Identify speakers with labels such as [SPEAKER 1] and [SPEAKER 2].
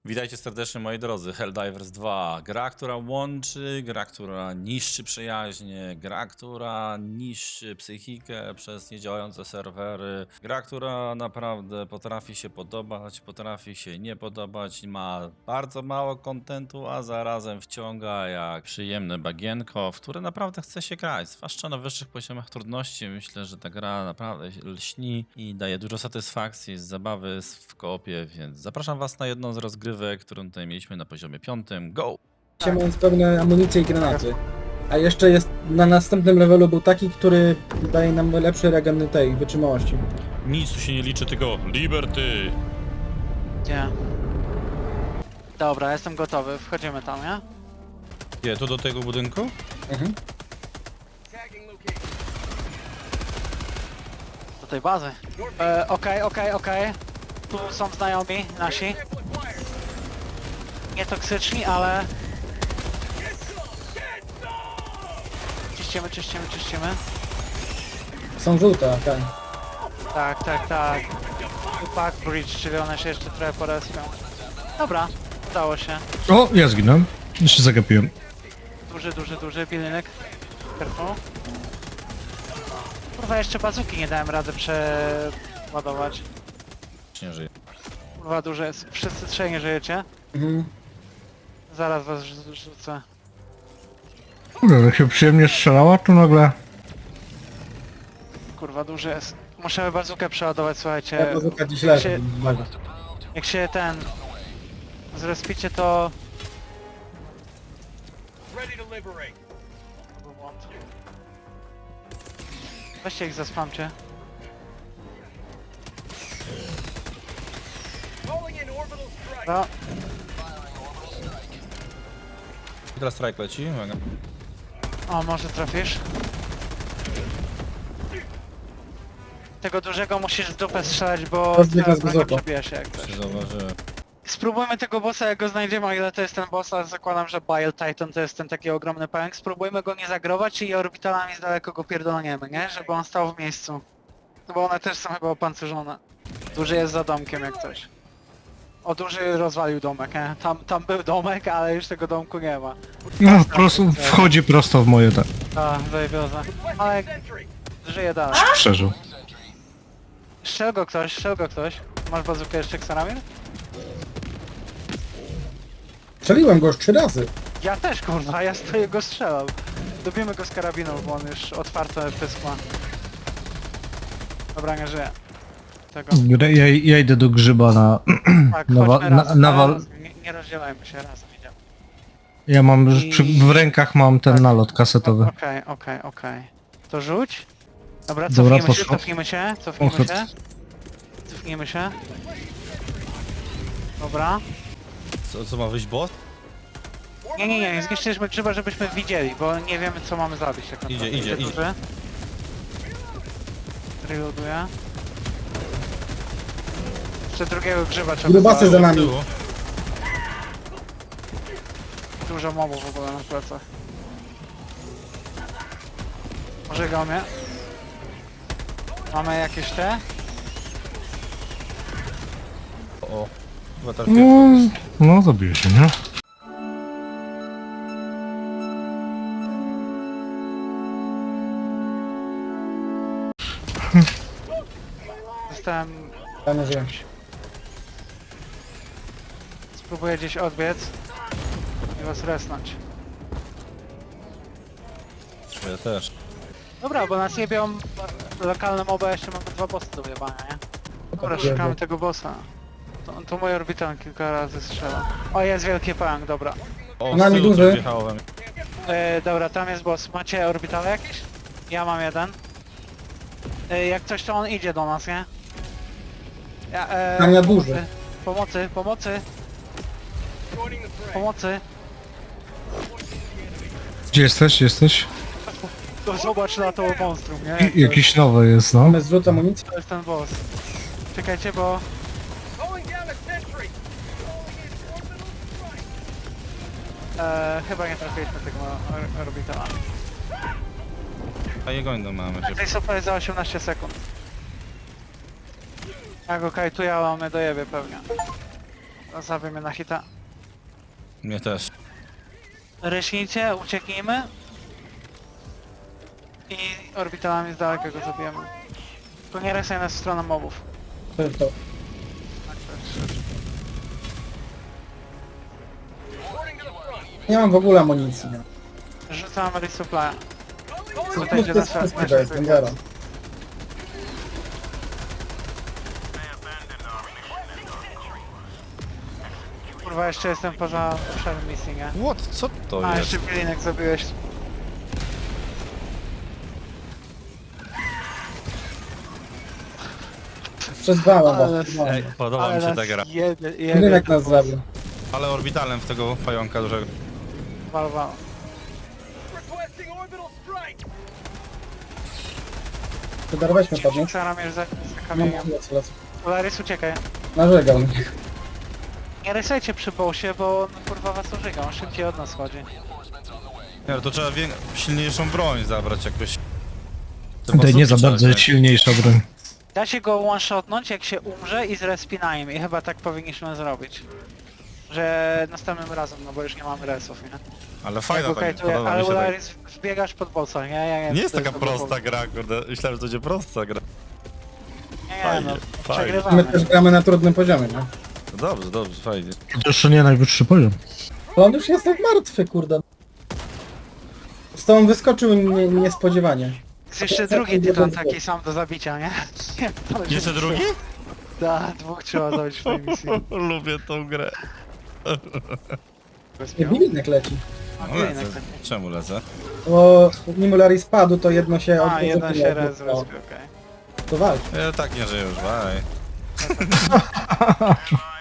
[SPEAKER 1] Witajcie serdecznie moi drodzy, Helldivers 2. Gra, która łączy, gra, która niszczy przyjaźnie, gra, która niszczy psychikę przez niedziałające serwery, gra, która naprawdę potrafi się podobać, potrafi się nie podobać, ma bardzo mało kontentu, a zarazem wciąga jak przyjemne bagienko, w które naprawdę chce się grać. Zwłaszcza na wyższych poziomach trudności. Myślę, że ta gra naprawdę lśni i daje dużo satysfakcji z zabawy w koopie, więc zapraszam was na jedną z rozgrywek, którą tutaj mieliśmy na poziomie 5. Go!
[SPEAKER 2] Mając pełne amunicje i granaty. A jeszcze jest na następnym levelu był taki, który daje nam lepszy regen tej wytrzymałości.
[SPEAKER 1] Nic tu się nie liczy, tylko Liberty!
[SPEAKER 3] Gdzie? Dobra, jestem gotowy. Wchodzimy tam, nie?
[SPEAKER 1] Gdzie, tu do tego budynku?
[SPEAKER 2] Mhm.
[SPEAKER 3] Do tej bazy. Okej. Tu są znajomi nasi. Nie toksyczni, ale... Czyścimy.
[SPEAKER 2] Są żółte, tak.
[SPEAKER 3] Tak. Back bridge, czyli one się jeszcze trochę porespią. Dobra, udało się.
[SPEAKER 4] O, ja zginąłem. Jeszcze zagapiłem.
[SPEAKER 3] Duży pilnik. Careful. Kurwa, jeszcze bazuki nie dałem rady przeładować.
[SPEAKER 1] Nie żyje.
[SPEAKER 3] Kurwa, duże jest. Wszyscy trzej nie żyjecie.
[SPEAKER 2] Mhm.
[SPEAKER 3] Zaraz was rzucę.
[SPEAKER 4] Kurde, jak się przyjemnie strzelała, to nagle...
[SPEAKER 3] Kurwa, duży jest. Muszę bazukę przeładować, słuchajcie.
[SPEAKER 2] Ja bazuka dziś leży.
[SPEAKER 3] Jak się ten... zrespicie, to... To był błąd. Weźcie ich zaspamcie. No,
[SPEAKER 1] Teraz strike leci, uwaga.
[SPEAKER 3] o, może trafisz. Tego dużego musisz w dupę strzelać, bo
[SPEAKER 2] Rozbiega
[SPEAKER 3] teraz
[SPEAKER 2] z
[SPEAKER 3] broń nie
[SPEAKER 2] bazuką.
[SPEAKER 3] przebija się jak coś.
[SPEAKER 1] Się zauważyłem.
[SPEAKER 3] Spróbujmy tego bossa, jak go znajdziemy, o ile to jest ten boss, ale zakładam, że Bile Titan to jest ten taki ogromny pęk. Spróbujmy go nie zagrować i orbitalami z daleko go pierdolniemy, nie? Żeby on stał w miejscu. No bo one też są chyba opancerzone. Duży jest za domkiem jak coś. O, duży rozwalił domek, nie? Tam był domek, ale już tego domku nie ma.
[SPEAKER 4] No, po prostu wchodzi prosto w moje te...
[SPEAKER 3] A, zajebioza. Ale żyje dalej.
[SPEAKER 4] Przeżył.
[SPEAKER 3] Strzel go ktoś. Masz bazukę jeszcze, Xaramir?
[SPEAKER 2] Strzeliłem go już 3 razy.
[SPEAKER 3] Ja też, kurwa, ja stoję go strzelał. Dobijmy go z karabinu, bo on już otwarte pysk ma. Dobra, nie żyje. Tego.
[SPEAKER 4] Ja idę do grzyba na...
[SPEAKER 3] Tak,
[SPEAKER 4] na
[SPEAKER 3] chodźmy razem,
[SPEAKER 4] nawal...
[SPEAKER 3] nie rozdzielajmy się, razem idziemy.
[SPEAKER 4] Ja mam... w rękach mam ten
[SPEAKER 3] Tak.
[SPEAKER 4] nalot kasetowy.
[SPEAKER 3] Okej. To rzuć. Dobra,
[SPEAKER 4] Dobra,
[SPEAKER 3] cofnijmy się,
[SPEAKER 4] poszło.
[SPEAKER 3] Cofnijmy się. Dobra.
[SPEAKER 1] Co ma wyjść boss?
[SPEAKER 3] Nie zniszczyliśmy grzyba, żebyśmy widzieli, bo nie wiemy co mamy zabić. Tak naprawdę.
[SPEAKER 1] Idzie.
[SPEAKER 3] Duży. Reloaduję. Jeszcze drugiego grzyba trzeba
[SPEAKER 2] Grubasy
[SPEAKER 3] zabić.
[SPEAKER 2] za nami.
[SPEAKER 1] Tyłu.
[SPEAKER 3] Dużo mobów w ogóle na plecach. Pożegał mnie. Mamy jakieś te?
[SPEAKER 1] O, chyba
[SPEAKER 4] No,
[SPEAKER 1] trafiłem.
[SPEAKER 4] no zabiję się, nie?
[SPEAKER 3] Zostałem...
[SPEAKER 2] Ja nie żyję.
[SPEAKER 3] Spróbuję gdzieś odbiec i was resnąć.
[SPEAKER 1] Ja też.
[SPEAKER 3] Dobra, bo nas jebią lokalne moby, a jeszcze mamy 2 bossy do wyjebania, nie? Dobra, szukamy tego bossa. To mój orbital kilka razy strzela. O, jest wielki pęk, dobra.
[SPEAKER 1] O,
[SPEAKER 2] Na
[SPEAKER 1] z
[SPEAKER 2] mnie
[SPEAKER 1] tyłu
[SPEAKER 2] duży.
[SPEAKER 1] coś wjechało we mnie.
[SPEAKER 3] Dobra, tam jest boss. Macie orbitale jakieś? Ja mam jeden. Jak coś, to on idzie do nas, nie? Ja,
[SPEAKER 2] Na mnie duży.
[SPEAKER 3] Pomocy.
[SPEAKER 4] Gdzie jesteś?
[SPEAKER 3] To zobacz na to monstrum, nie?
[SPEAKER 4] Jakiś nowy jest, no.
[SPEAKER 2] Mamy zrzut amunicji.
[SPEAKER 3] To jest ten boss. Czekajcie, bo... chyba nie trafiliśmy tego orbitala.
[SPEAKER 1] A jego inną mamy.
[SPEAKER 3] Tej super za 18 sekund. Ja go kajtuję, ale on mnie dojebie pewnie. Zabił mnie na hita.
[SPEAKER 1] Mnie też.
[SPEAKER 3] Ryśnijcie, ucieknijmy. I orbitalami z daleka go zabijemy. Tylko nie resaj nas w stronę mobów.
[SPEAKER 2] To jest to. Nie mam w ogóle amunicji. Nie.
[SPEAKER 3] Rzucam resupply.
[SPEAKER 2] Co
[SPEAKER 3] Tutaj gdzie nas
[SPEAKER 2] to jest zero.
[SPEAKER 3] Kurwa, jeszcze jestem poza obszarem misji, nie?
[SPEAKER 1] What? Co to
[SPEAKER 3] A,
[SPEAKER 1] jest?
[SPEAKER 3] jeszcze Bilinek zabiłeś.
[SPEAKER 2] Przez dwa,
[SPEAKER 3] Ale-
[SPEAKER 1] Ej, podoba mi się ta gra.
[SPEAKER 2] Rynek nas zabił.
[SPEAKER 1] Ale orbitalem w tego pająka dużego.
[SPEAKER 3] Walwa.
[SPEAKER 2] Chyba weźmy podnieść.
[SPEAKER 3] Staram już za
[SPEAKER 2] No,
[SPEAKER 3] kamieniem.
[SPEAKER 2] lecę.
[SPEAKER 3] Polaris, uciekaj.
[SPEAKER 2] Narzegał mnie.
[SPEAKER 3] Nie resajcie przy bossie, bo on kurwa was użyga, on szybciej od nas chodzi.
[SPEAKER 1] Nie, no to trzeba silniejszą broń zabrać jakoś.
[SPEAKER 4] Tutaj nie za bardzo silniejsza broń.
[SPEAKER 3] Da się go one-shotnąć jak się umrze i zrespinajem i chyba tak powinniśmy zrobić. Że następnym razem, no bo już nie mamy resów, nie?
[SPEAKER 1] Ale fajna
[SPEAKER 3] Ja go
[SPEAKER 1] ta gra,
[SPEAKER 3] kajtuję,
[SPEAKER 1] podoba
[SPEAKER 3] ale
[SPEAKER 1] mi się ta gra.
[SPEAKER 3] Polaris wbiegasz pod bossa, nie?
[SPEAKER 1] Nie jest
[SPEAKER 3] to
[SPEAKER 1] taka
[SPEAKER 3] dobry
[SPEAKER 1] prosta
[SPEAKER 3] pomysł.
[SPEAKER 1] gra, kurde. Myślałem, że to będzie prosta gra.
[SPEAKER 3] Nie,
[SPEAKER 1] Fajnie,
[SPEAKER 3] no,
[SPEAKER 1] fajnie.
[SPEAKER 2] My
[SPEAKER 3] przegrywamy.
[SPEAKER 2] też gramy na trudnym poziomie, nie?
[SPEAKER 1] No dobrze, dobrze, fajnie.
[SPEAKER 4] To jeszcze nie najwyższy poziom.
[SPEAKER 2] To on już jest jak martwy, kurde. Z tobą wyskoczył niespodziewanie.
[SPEAKER 3] Jest jeszcze drugi tytan taki sam do zabicia, nie?
[SPEAKER 1] Jeszcze drugi?
[SPEAKER 3] Da, dwóch trzeba zabić w tej misji.
[SPEAKER 1] Lubię tą grę.
[SPEAKER 2] Nie, Bilinek leci.
[SPEAKER 3] A,
[SPEAKER 1] Lecę.
[SPEAKER 3] Bilinek taki.
[SPEAKER 1] Czemu lecę?
[SPEAKER 2] Bo nim Larry spadł, to jedno się...
[SPEAKER 3] A, jeden się rezerwuje, okej.
[SPEAKER 2] To walcz.
[SPEAKER 1] Ja tak nie żyję już, bye.